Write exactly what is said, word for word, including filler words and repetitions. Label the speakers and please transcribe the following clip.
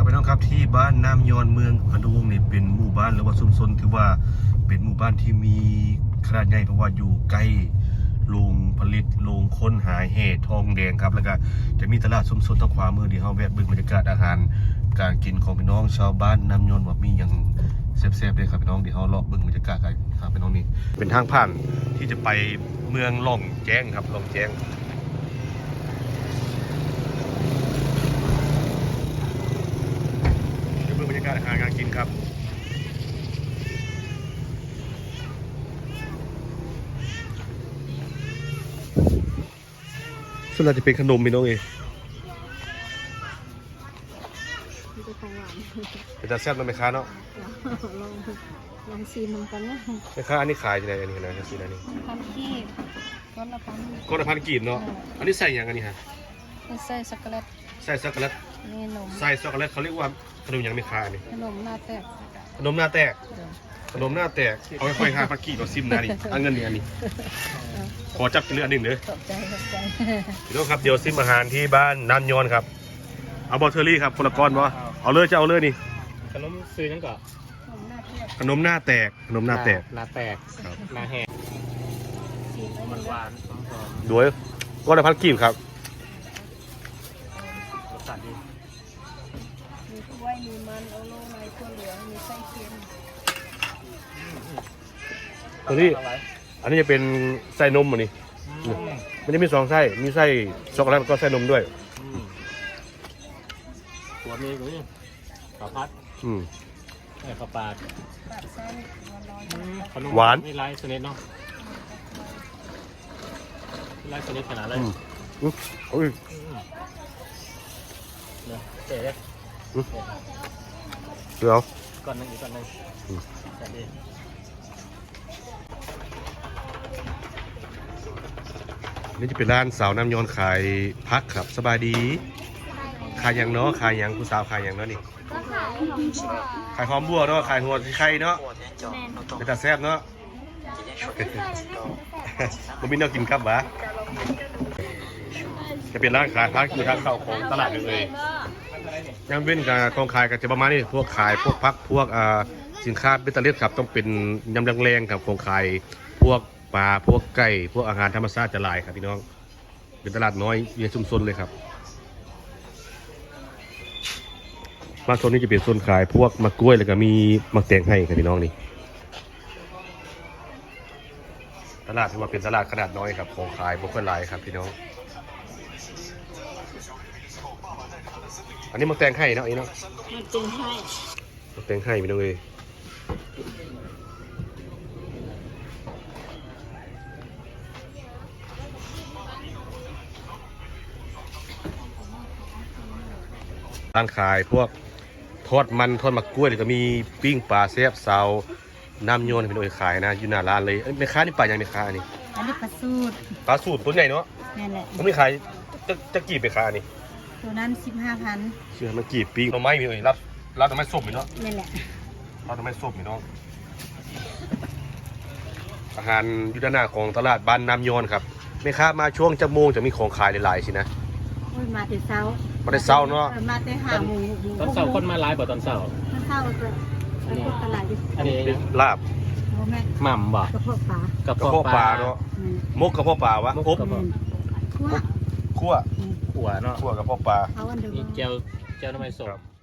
Speaker 1: พี่น้องครับที่บ้านน้ำยอนเมืองอนุวงศ์นี่เป็นหมู่บ้านหรือว่าชุมชนถือว่าเป็นหมู่บ้านที่มีขนาดใหญ่เพราะว่าอยู่ใกล้โรงผลิตโรงค้นหาเห็ดทองแดงครับแล้วก็จะมีตลาดชุมชนทางขวามือที่เฮาแวะเบิ่งบรรยากาศอาหารการกินของพี่น้องชาวบ้านน้ำยอนว่ามีอย่างแซ่บๆเลยครับพี่น้องที่เฮาเลาะเบิ่งบรรยากาศกันครับพี่น้องนี่เป็นทางผ่านที่จะไปเมืองล่องแจ้งครับล่องแจ้งบรรยากาศอาหารการกินครับส่วนใหญ่จะเป็นขนมพี่น้องเอง
Speaker 2: เป็นของหวาน
Speaker 1: เป็นตาแซ่บนะแม่ค้าเนาะ
Speaker 2: ลองลองชิมมันกันนะ
Speaker 1: แม่ค้าอันนี้ขายที่ไหนอันนี้นะซีนอันนี้
Speaker 2: พันกีบก้อนละพัน
Speaker 1: ก้อนละพันกีบเนาะอันนี้ใส่ยังอันนี้ฮะ
Speaker 2: ใส่ช็อกโกแลต
Speaker 1: ใส่ช็อกโกแลต
Speaker 2: นี่นม
Speaker 1: ใส่ช็อกโกแลตเขาเรียกว่าขนมยังแม่ค้านี่
Speaker 2: ขนมหน้าแตก
Speaker 1: ขนมหน้าแตกขนมหน้าแตกเอาไปค่อยห้าพันกีบเอาซิมนะนี่เอาเงินนี่อันนี้ขอจับเรืออันหนึ่งเลย
Speaker 2: ขอบใจขอบใจ
Speaker 1: พี่น้องครับเดี๋ยวซิมอาหารที่บ้านน้ำยอนครับเอาบอเทอรี่ครับคนละก้อนวะเอาเลยจะเอาเลยนี่
Speaker 3: ขนมซื้อนั่นก่อน
Speaker 1: ขนมหน้าแตกขนมหน้าแตก
Speaker 3: หน้าแตกหน้าแห้งมันหวานหอม
Speaker 1: ด้วยก้อนละพันกีบครับ
Speaker 3: รสชาติดี
Speaker 2: มีกล้วยมีมันโอโลไนถั่วเหลืองมีไส้เค็ม
Speaker 1: ตัวนี้อันนี้จะเป็นไส้นมอันนี้มันจะมีสองไส้มีไส้ช็อกโกแลตก็ไส้นมด้วย
Speaker 3: ตัวนี้ก็นี่ข้าวพัด
Speaker 1: อืม
Speaker 3: ไอ้ข้าวปลา
Speaker 1: หวาน
Speaker 3: มีลายสนิทเนาะลายสนิทขนาดอะไร
Speaker 1: โอ้ย
Speaker 3: เจ๊
Speaker 1: เดี๋ยว
Speaker 3: ก่อนนึงอีกก่อนนึงแต่ดี
Speaker 1: นี่จะเป็นร้านสาวน้ำยอนขายพักครับสบายดีขายอย่างเนาะขายอย่างผู้สาวขายอย่างเนาะนี่ขายหอมบัวเนาะขายหัวไข่เนาะเป็นตาแซ่บเนาะมันมีแนวกินครับวะจะเป็นร้านขายพักอยู่ทางเข้าของตลาดเลยยังเป็นการกองขายก็จะประมาณนี้พวกขายพวกพักพวกสินค้าเบตเตอร์เลียครับต้องเป็นยำแรงๆครับของขายพวกปลาพวกไก่พวกอาหารธรรมชาติจะหลายครับพี่น้องเป็นตลาดน้อยในชุมชนเลยครับมาโซนนี้จะเป็นโซนขายพวกมะกล้วยแล้วก็มีมะแตงให้ครับพี่น้องนี่ตลาดถือว่าเป็นตลาดขนาดน้อยครับของขายบุคคลหลายครับพี่น้องอันนี้มะแตงให้เนาะไอ้เนาะ
Speaker 2: มะแตงให้
Speaker 1: มะแตงให้พี่น้องเลยร้านขายพวกทอดมันทอดมะกล้วยหรือก็มีปิ้งปลาแซ่บซาวน้ำโยนเป็นโดยขายนะอยู่หน้าร้านเลยแม่ค้านี่ปลาอย่างแม่ค้าอันนี้
Speaker 2: อันนี้ปลาสูตร
Speaker 1: ปลาสูตรตัวใหญ่เนาะ
Speaker 2: นั่นแหละ
Speaker 1: มันไม่ขายจะจะกี่ไปค้านี่
Speaker 2: ตัวนั้นสิบห้าพัน
Speaker 1: เชื่อมันกี่ปิ้งเราไม่มีเลยรับรับทำไมส้มอยู่เนาะ
Speaker 2: นั่นแหละ
Speaker 1: รับทำไมส้มอยู่เนาะอาหารยุทธนาของตลาดบ้านน้ำโยนครับแม่ค้ามาช่วงจะโมงจะมีของขายหลายๆสินะ
Speaker 2: มาแต่เช้า
Speaker 1: มาแต่เช้าเนาะ
Speaker 2: มาแต่หาโมง
Speaker 3: ตอนเช้าคนมาไลฟ์บ่ตอนเช้า
Speaker 2: ตอนเช้าจะไปพวกตลาด
Speaker 3: อันนี้
Speaker 1: ลาบ
Speaker 3: หม่ำบ่
Speaker 2: กระเพาะปลาก
Speaker 1: ระเพาะปลาเนาะมกกระเพาะปลาวะอบ
Speaker 2: คั่ว
Speaker 1: คั่ว
Speaker 3: ขั่วเนาะ
Speaker 1: คั่วกระเพาะปลา
Speaker 3: มีเจียวเจียวทำไมสด